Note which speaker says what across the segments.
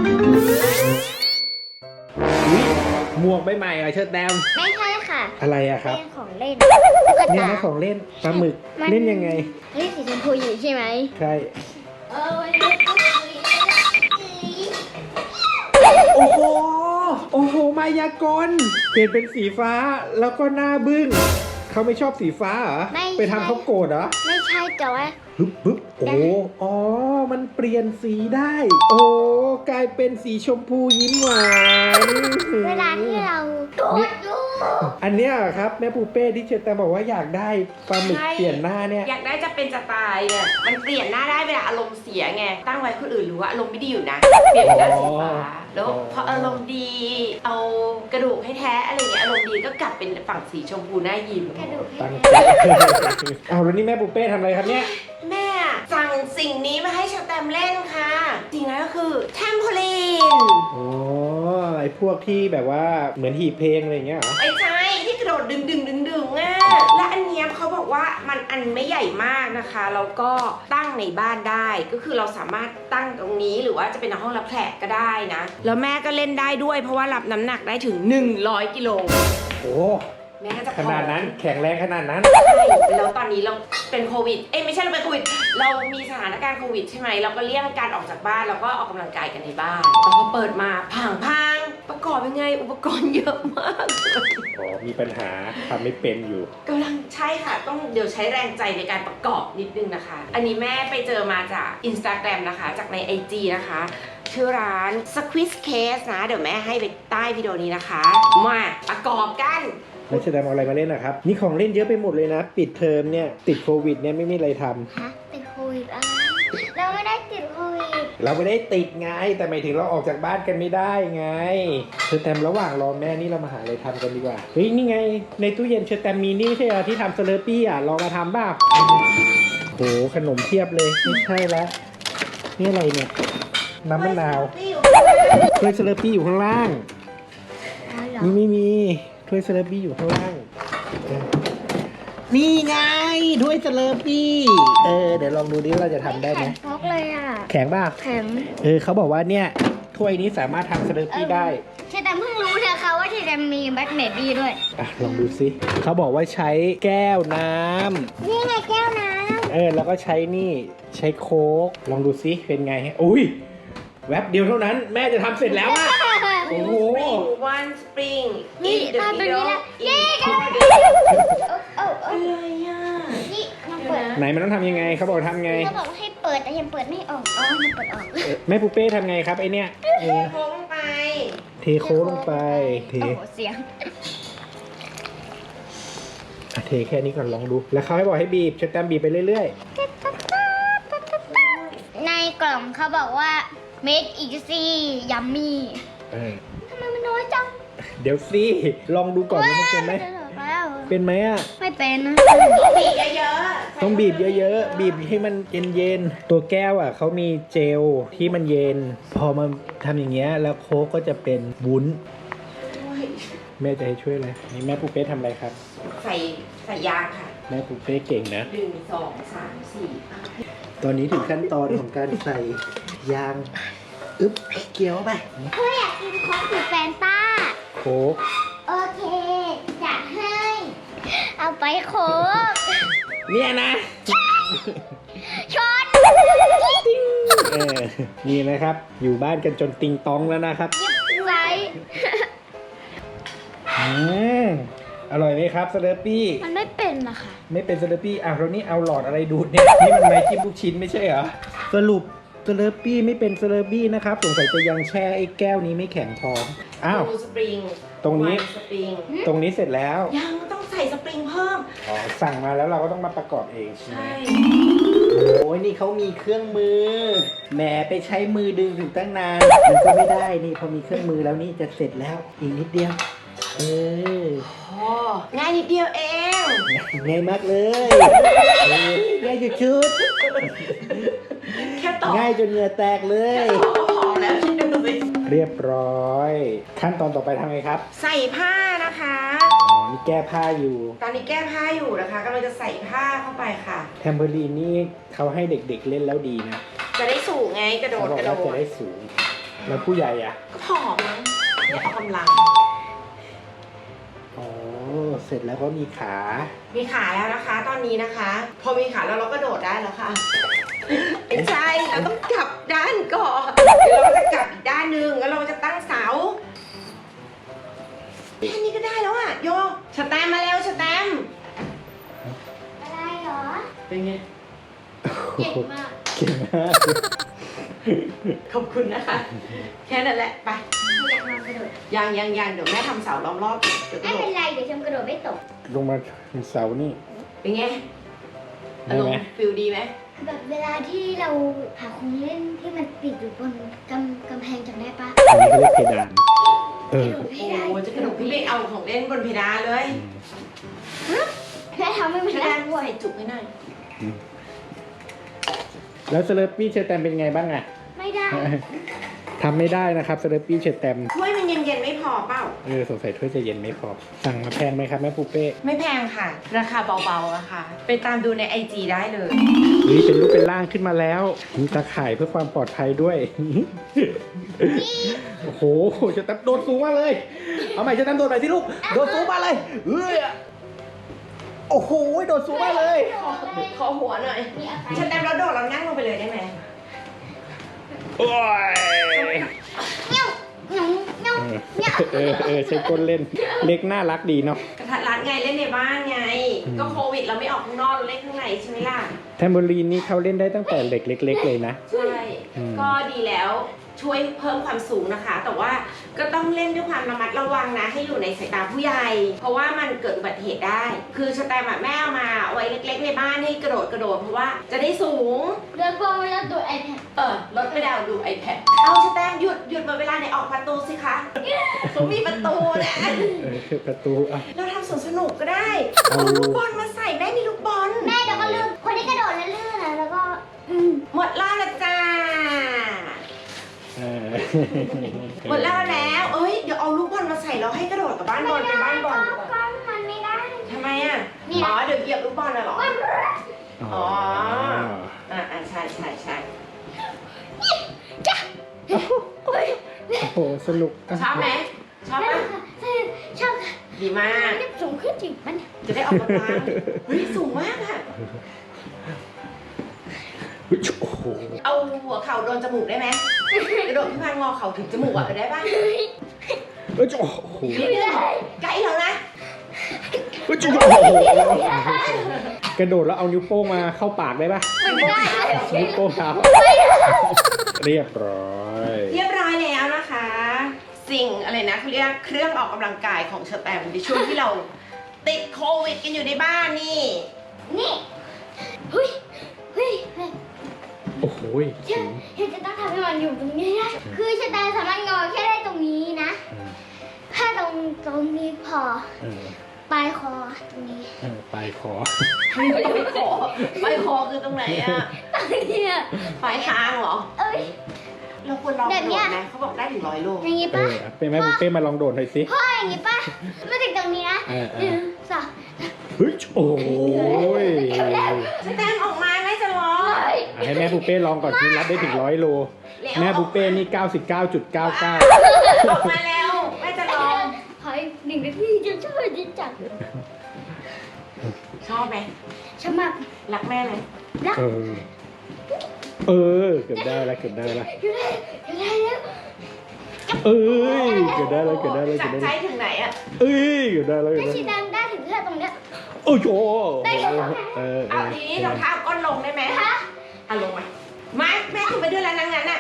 Speaker 1: อุ๊ยหมวกใบใหม่เหรอเชิดแดม
Speaker 2: ไม่ใช่ค่ะ
Speaker 1: อะไรอะครับ
Speaker 2: เป็นของเล่น
Speaker 1: เนี่ยนะของเล่นปลาหมึกเล่นยังไง
Speaker 2: เล่นสีชมพูอยู่ใช่ไหม
Speaker 1: ใช่
Speaker 2: เออวันนี้ก็คุย
Speaker 1: โอ้โหโอ้โหมายากลเปลี่ยนเป็นสีฟ้าแล้วก็หน้าบึ้งเขาไม่ชอบสีฟ้าเหรอไปทำเขาโกรธเหรอ
Speaker 2: ไม่ใช่แต่ว่า
Speaker 1: ปึ๊บโอ้อ๋อมันเปลี่ยนสีได้ โอ้กลายเป็นสีชมพูยิ้มหวาน
Speaker 2: เวลาที่เรากดอยู่
Speaker 1: อันเนี้ยครับแม่ปูเป้ที่เชตแต่บอกว่าอยากได้ปลาหมึกเปลี่ยนหน้าเนี่ย
Speaker 3: อยากได้จะเป็นจะตายเนี่ยมันเปลี่ยนหน้าได้เวลาอารมณ์เสียไงตั้งไว้คนอื่นรู้ว่าอารมณ์ไม่ดีอยู่นะเปลี่ยนเป็นหน้าสีฟ้าแล้วพออารมณ์ดีเอากระดูกให้แท้อะไรเงี้ยอารมณ์ดีก็กลับเป็นฝั่งสีชมพูหน้ายิ้ม
Speaker 2: กระดูก
Speaker 1: ตั้ง
Speaker 2: ให้
Speaker 1: ใจเอาแล้วนี่แม่ปูเป้ทำอะไรครับเนี่ย
Speaker 3: แม่สั่งสิ่งนี้มาให้ชาแตมเล่นค่ะสิ่งนั้นก็คือแทมโพลีน
Speaker 1: อ๋อไอพวกที่แบบว่าเหมือนหีบเพลงอะไรอย่างเงี้ยเหรอ
Speaker 3: ไม่ใช่ที่กระโดดดึงอ่ะและอันเนี้ยเขาบอกว่ามันอันไม่ใหญ่มากนะคะแล้วก็ตั้งในบ้านได้ก็คือเราสามารถตั้งตรงนี้หรือว่าจะเป็นในห้องรับแขกก็ได้นะแล้วแม่ก็เล่นได้ด้วยเพราะว่ารับน้ำหนักได้ถึง100กิโล
Speaker 1: โอ้
Speaker 3: แม่ก็จะ
Speaker 1: ขนาดนั้นแข็งแรงขนาดนั้น
Speaker 3: ใช่แล้วตอนนี้เราเป็นโควิดไม่ใช่เราเป็นโควิดเรามีสถานการณ์โควิดใช่ไหมเราก็เลี่ยงการออกจากบ้านเราก็ออกกำลังกายกันในบ้านแต่พอเปิดมาพังประกอบยังไงอุปกรณ์เยอะมาก
Speaker 1: อ๋อมีปัญหาทำไม่เป็นอยู่
Speaker 3: กำลังใช่ค่ะต้องเดี๋ยวใช้แรงใจในการประกอบนิดนึงนะคะอันนี้แม่ไปเจอมาจาก Instagram นะคะจากใน IG นะคะชื่อร้าน Squeeze Case นะเดี๋ยวแม่ให้ไปใต้วิดีโอนี้นะคะมาประกอบกัน
Speaker 1: แล้วเชตแดมเอาอะไรมาเล่นนะครับนี่ของเล่นเยอะไปหมดเลยนะ ปิดเทอมเนี่ยติดโควิดเนี่ยไม่มีอะไรทำ
Speaker 2: ฮะติดโควิดอะไรเราไม่ได้ติดโควิด
Speaker 1: เราไม่ได้ติดไงแต่หมายถึงเราออกจากบ้านกันไม่ได้ไงเชอร์แตมระหว่างรอแม่นี่เรามาหาอะไรทำกันดีกว่าเฮ้ยนี่ไงในตู้เย็นเชอร์แตมมีนี่ไม่ใช่เหรอที่ทำสเลอร์ปี้อ่ะลองมาทำบ้างโหขนมเพียบเลยไม่ใช่แล้วนี่อะไรเนี่ยน้ำมะนาวถ้วยสเลอร์ปี้อยู่ข้างล่าง
Speaker 2: เอาเหรอ
Speaker 1: นี่ไม่มีถ้วยสเลอร์ปี้อยู่ข้างล่างนี่ไงถ้วยสเลอร์ปี้เดี๋ยวลองดูดิว่าเราจะทำได้ไหม
Speaker 2: แข็งฟอกเลยอ่ะ
Speaker 1: แข็งป่ะ
Speaker 2: แข็ง
Speaker 1: เขาบอกว่าเนี่ยถ้วยนี้สามารถทำสเลอร์ปี้ได้
Speaker 2: เชตแตมเพิ่งรู้นะคะว่าเชตแตมมีแบล็คเมบี้ด้วย
Speaker 1: อ่ะลองดูสิเขาบอกว่าใช้แก้วน้ำ
Speaker 2: นี่ไงแก้วน้
Speaker 1: แล้วก็ใช้นี่ใช้โค้กลองดูสิเป็นไงฮะอุ้ยแวบเดียวเท่านั้นแม่จะทำเสร็จแล้วอะ
Speaker 2: ำ
Speaker 1: โอ้โห
Speaker 3: one spring
Speaker 2: นี่
Speaker 3: in the
Speaker 2: ตอนนี้
Speaker 3: middle
Speaker 2: ละ
Speaker 3: in
Speaker 2: นี่กัน
Speaker 3: the อะไรอ่ะ
Speaker 2: นี่มันเปิด
Speaker 1: ไหนมันต้องทำยังไงเขาบอกทำไง
Speaker 2: เขาบอกว่าให้เปิดแต่ยังเปิดไม่ออกอ๋อมันเปิดออก
Speaker 1: แม่ปูเป้ทำไงครับไอเนี่ย
Speaker 3: โค้งไป
Speaker 1: เทโค้กลงไปเท
Speaker 2: โอ้โหเสียง
Speaker 1: เทแค่นี้ก่อนลองดู แล้วเขาให้บอกให้บีบชัดแตมบีบไปเรื่อย
Speaker 2: ในกล่องเขาบอกว่า made easy yummy
Speaker 1: ๆ
Speaker 2: ทำไมมันน้อยจัง
Speaker 1: เดี๋ยวสิลองดูก่อนว่ามันเป็นไหม
Speaker 2: จะหลอกแล้ว
Speaker 1: เป็นไหมอ่ะ
Speaker 2: ไม่เป็นนะ
Speaker 3: บีบเยอะๆ
Speaker 1: ต้องบีบเยอะๆ บีบให้มันเย็นๆ ตัวแก้วอ่ะเขามีเจลที่มันเย็น พอมันทำอย่างเงี้ยแล้วโค้กก็จะเป็นวุ้น แม่จะให้ช่วยอะไรนี่แม่ปูเป้ทำอะไรครับ
Speaker 3: ใส่ยางค่ะ
Speaker 1: แม่ปูเป้เก่งนะ
Speaker 3: 1 2 3 4
Speaker 1: ตอนนี้ถึงขั้นตอนของการใส่ยาง อึ๊บเกี่ยวไป
Speaker 2: เพื่ออยากกินโค้กหรือแฟนต้า
Speaker 1: โค้ก
Speaker 2: โอเคจะให้ เอาไปโค้ก
Speaker 1: เนี่ยนะ
Speaker 2: ชน
Speaker 1: นี่นะครับ อยู่บ้านกันจนติงตองแล้วนะครับ
Speaker 2: ไว้
Speaker 1: อร่อยไหมครับสเลอร์ปี้
Speaker 2: มันไม่เป็นนะคะ
Speaker 1: ไม่เป็นสเลอร์ปี้เรานี่เอาหลอดอะไรดูดเนี่ย นี่มันไม้จิ้มลูกชิ้นไม่ใช่เหรอ สรุปสเลอร์ปี้ไม่เป็นสเลอร์ปี้นะครับ สงสัยจะยังแช่ไอ้แก้วนี้ไม่แข็งพออ้าว
Speaker 3: ดูสปริง
Speaker 1: ตรงนี้
Speaker 3: สปริง
Speaker 1: ตรงนี้เสร็จแล้ว
Speaker 3: ยังต้องใส่สปริงเพิ่ม
Speaker 1: อ๋อ สั่งมาแล้วเราก็ต้องมาประกอบเองใช่ไหม
Speaker 3: ใช่
Speaker 1: โอ้ยนี่เขามีเครื่องมือ แหมไปใช้มือดึงถึงตั้งนาน มันก็ไม่ได้นี่พอมีเครื่องมือแล้วนี่จะเสร็จแล้ว อีกนิดเดียว
Speaker 3: อ๋อง่ายนิดเดียวเอง
Speaker 1: ง่ายมากเลยง่ายชุด
Speaker 3: แค่ต่อ
Speaker 1: ๆง่ายจนเหงื่อแตกเลย
Speaker 3: พอแล้วคิดดูสิ
Speaker 1: เรียบร้อย ขั้นตอนต่อไปทำไงครับ
Speaker 3: ใส่ผ้านะคะ
Speaker 1: อ๋อนี่แก้ผ้าอยู่
Speaker 3: ตอนนี้แก้ผ้าอยู่นะคะกำลังจะใส่ผ้าเข้าไปค่ะ
Speaker 1: แทมเบอรีนนี่เขาให้เด็กๆเล่นแล้วดีนะ
Speaker 3: จะได้สูงไงกระโด
Speaker 1: เขา
Speaker 3: ด
Speaker 1: บอก
Speaker 3: กระโด
Speaker 1: ว่าจะ
Speaker 3: ด
Speaker 1: ได้สูงแล้วผู้ใหญ่อ่ะ
Speaker 3: ก็ผอมมั้งไม่ออกกำลัง
Speaker 1: อ๋อเสร็จแล้วก็มีขา
Speaker 3: มีขาแล้วนะคะ ตอนนี้นะคะ พอมีขาแล้วเราก็โดดได้แล้วค่ะไม่ใช่เราต้องกลับด้านก่อนเดี๋ยวเราก็จะกลับอีกด้านหนึ่งแล้วเราจะตั้งเสาแค่นี้ก็ได้แล้วอ่ะโยสแตมป์มาเร็วสแตมป์
Speaker 2: อะไรเหรอ
Speaker 3: เป็นไง
Speaker 2: เก่งมาก
Speaker 1: เก่งมาก
Speaker 3: ขอบคุณนะคะ แค่นั้นแหละไป
Speaker 2: อยากมากระโดด
Speaker 3: ยังเดี๋ยวแม่ทำเสาล้อมรอบเดี๋ยวก
Speaker 2: ไม่
Speaker 3: ระโด
Speaker 2: เป็
Speaker 3: ด
Speaker 2: นไรเดี๋ยวฉันกระโดดไม่ตก
Speaker 1: ลงมาเสานี่
Speaker 3: เป็นไง
Speaker 1: ได้
Speaker 3: อารม
Speaker 1: ไหม
Speaker 3: ณ์ฟิลดีไหม
Speaker 2: แบบเวลาที่เราหาของเล่นที่มันติดอยู่บนกำแพงจำได้ปะ
Speaker 1: อันนี้เขาเรียกเพดานเออ
Speaker 2: กระโดดไม่ได้
Speaker 3: โอ้จะกระโดดพี่เล็กเอาของเล่นบนเพดานเลย
Speaker 2: แค่ทำให้มัน
Speaker 3: เพ
Speaker 2: ได้
Speaker 3: ดาน
Speaker 2: ด้วย
Speaker 3: ใส่จุกให้หน่อย
Speaker 1: แล้วสเลปปี้เชอร์แตมเป็นไงบ้างอะ
Speaker 2: ไม่ได้
Speaker 1: ทำไม่ได้นะครับสเลปปี้เชอร์แตม
Speaker 3: ถ้วยมันเย็นๆไม่พอเปล่า
Speaker 1: สงสัยถ้วยจะเย็นไม่พอ สั่งมาแพงไหมครับแม่ปูเป้
Speaker 3: ไม่แพงค่ะ ราคาเบาๆอะค่ะ ไปตามดูใน IG ได้เลย
Speaker 1: เฮ้ยเป็นรูปเป็นร่างขึ้นมาแล้ว มีตาข่ายเพื่อความปลอดภัยด้วย โอ้โหเชอร์แตมโดดสูงมากเลย เอาใหม่เชอร์แตมโดดใหม่สิลูก โดดสูงมากเลยโอ้โหโดดสูงมากเลย
Speaker 3: ขอหัวหน่อย
Speaker 2: มีอะไร
Speaker 3: ฉันแต้มแล้วโดดเรานั่งลงไปเลยได้ไหม
Speaker 1: โอ้ย
Speaker 2: เงี้ยวเงี้ยวเงี้ยวเงี้ยว
Speaker 1: ใช้ก้นเล่น เล็กน่ารักดีเนาะ
Speaker 3: กระทัดรัดไงเล่นในบ้านไง
Speaker 1: อืม
Speaker 3: ก็โควิดเราไม่ออกข้างนอกเราเล่นข้างในใช่ไหมล่ะ
Speaker 1: แทมโบลีนนี่เขาเล่นได้ตั้งแต่เด็กเล็ก ๆ เลยนะ
Speaker 3: ใช่
Speaker 1: อืม
Speaker 3: ก็ดีแล้วช่วยเพิ่มความสูงนะคะ แต่ว่าก็ต้องเล่นด้วยความระมัดระวังนะ ให้อยู่ในสายตาผู้ใหญ่ เพราะว่ามันเกิดอุบัติเหตุได้ คือสแตมป์แม่เอามาเอาไว้เล็กๆในบ้านให้กระโดดเพราะว่าจะได้สูง
Speaker 2: เดินพอไม่ต้องตัวไอแพด
Speaker 3: รถไม่ได้เอาดู iPad เอาสแตมป์หยุดหมดเวลาไหนออกประตูสิคะเขามีประตูนะ
Speaker 1: ประตูอ่ะ
Speaker 3: เราทำสวนสนุกก็ได้
Speaker 1: เอา
Speaker 3: เอาลูกบอลมาใส่แม่มีลูกบอล
Speaker 2: แม่เดี๋ยวก็ลืมคนที่กระโดดแล้วลื่นนะแล้วก็
Speaker 3: หมดรอบแล้วจ้า หมดรอบแล้ว เอ้ย เดี๋ยวเอาลูกบอลมาใส่แล้วให้กระโดดกับบ้านบอลเป็นบ้านบอลดีกว่า
Speaker 2: ก็มันไม่ได้
Speaker 3: ทำไมอ่ะ
Speaker 2: นี่
Speaker 3: อ๋อ เดี๋ยวเหยียบลูกบอลน่ะเหรอ
Speaker 1: อ๋อ
Speaker 3: ใช่
Speaker 2: จ้ะเฮ้ย
Speaker 1: โอ้โหสนุกะ
Speaker 3: ชอบไหมชอบ
Speaker 2: แม่
Speaker 3: ปะ
Speaker 2: ค่ะชอบค่ะ
Speaker 3: ดีมาก
Speaker 2: นี่สูงขึ้นจริงมัน
Speaker 3: จะได้ออกกำลังเฮ้ย สูงมากอ่ะ
Speaker 1: โอ้โห
Speaker 3: เอาหัวเข่าโดนจมูกได้ไหมกระโดดขึ้นมางอเข่าถึงจมูกอ่ะได้ปะ
Speaker 1: โอ้โห
Speaker 3: นิดนึงใกล้แล้วนะ
Speaker 1: โอ้โหกระโดดแล้วเอานิ้วโป้งมาเข้าปากได้ปะ
Speaker 2: ไม่ได้
Speaker 1: นิ้วโป้งเท้าเรียบร้อย
Speaker 3: เรียบร้อยแล้วนะคะ สิ่งอะไรนะเขาเรียกเครื่องออกกำลังกายของเชอร์แตมในช่วงที่เราติดโควิดกันอยู่ในบ้านนี่
Speaker 2: นี่เฮ้ยเฮ้ย
Speaker 1: โอ้โห
Speaker 2: เชื่อเห็นจะต้องทำให้มันอยู่ตรงนี้นะคือชะตาสามารถงอแค่ได้ตรงนี้นะถ้าตรงนี้พอปลายคอตรงนี้
Speaker 1: ปลายคอ
Speaker 3: ไม่คอคือตรงไหนอะ
Speaker 2: ตรงนี้อะ
Speaker 3: ปลายคางเหรอ
Speaker 2: เอ้ย
Speaker 3: เราควรลอง
Speaker 2: แบ
Speaker 3: ก
Speaker 2: บ
Speaker 3: ระ
Speaker 2: เนี้
Speaker 3: โด
Speaker 2: ย
Speaker 3: ดไหมเขาบอกได้ถึง100 โล
Speaker 2: อย่างงี้ปะ
Speaker 1: เป็นแม่บุฟเป้มาลองโดดหน่อยสิ
Speaker 2: พ่ออย่างงี้ปะมาถึงตรงนี้นะ
Speaker 1: เออ
Speaker 2: 1 2
Speaker 1: เฮ้ยโอ้ย
Speaker 3: สแตมป์ออกมาไม่จะร้อง
Speaker 1: ให้แม่บุฟเป้ลองก่อนสิรับได้ถึง100 โล
Speaker 3: แล้ว
Speaker 1: แม่บุฟเป้นี่ 99.99
Speaker 3: ออกมาแล้วแม่จะร้อง
Speaker 2: ขออีก1 นาทีจะช่วยดิจัง
Speaker 3: ชอบไหม
Speaker 2: ชอบมาก
Speaker 3: รักแม่ไหม
Speaker 2: รัก
Speaker 1: เกือบได้แล้ว
Speaker 2: อยู่ได้แล้ว
Speaker 1: เอ้ยเกือบได้แล้ว
Speaker 3: จากใจถึงไหนอะ
Speaker 1: เอ้ยเกือบได้แล้ว
Speaker 2: ถ้าชีดังได้ถึงแค่ตรงเนี้ย
Speaker 1: โอ้โห
Speaker 3: เอาทีนี้เราเท้าก้นลงได้ไหม
Speaker 2: ฮะ
Speaker 3: เอาลงมาแม่ถึงไปด้วยแล้วนางงั้นอะ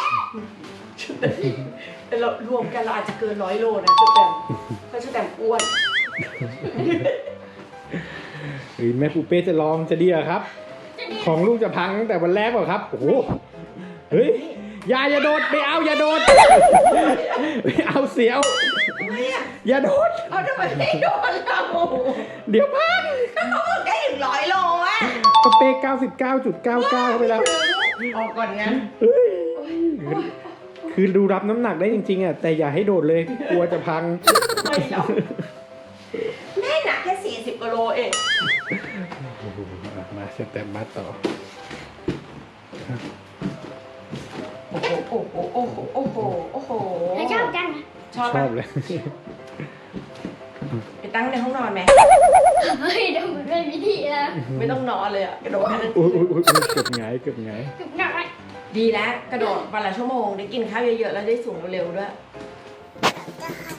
Speaker 3: แต่เรารวมกันเราอาจจะเกิน100 โลนะชุดแตมเพราะชุดแตมอ้วน
Speaker 1: แม่ปูเป้จะลองจะดีเหรอครับ ของลูกจะพังตั้งแต่วันแรกเปล่าครับ โอ้โห เฮ้ย อย่าโดดไม่เอาอย่าโดดไม่เอาเสียว อย่าโดด
Speaker 3: เอาทำไมไม่โดนเรา
Speaker 1: เดี๋ยวพัง
Speaker 3: ก็เขาบอกได้ถึง100 โลอะ
Speaker 1: ปูเป้99.99ไปแล้ว
Speaker 3: ออกก่อนงั้น
Speaker 1: เฮ้ยคือดูรับน้ำหนักได้จริงๆอ่ะแต่อย่าให้โดดเลยกลัวจะพัง
Speaker 3: ไม่หรอกแม่หนักแค่40 กว่าโลเอง
Speaker 1: มาสเต็ปมาต่อ
Speaker 3: โอ้โอ้โหโอ้โหโอ้โหโอ้โห
Speaker 2: ถ้าชอบกันนะ
Speaker 3: ชอบ
Speaker 1: ช
Speaker 3: ปะ
Speaker 1: อบเลย
Speaker 3: ไปตั้งในห้องนอนไหม
Speaker 2: เฮ้ยเดี๋ยวมันเป็นวิธีแล้ว
Speaker 3: ไม่ต้องนอนเลยอะกระโดดแค่นั้น
Speaker 1: อุ้ยเกือบไงเกือบไง
Speaker 2: จุกหน่อย
Speaker 3: ดีแล้วกระโดดวันละชั่วโมงได้กินข้าวเยอะๆแล้วได้สูงเร็วๆด้วย
Speaker 2: จะให้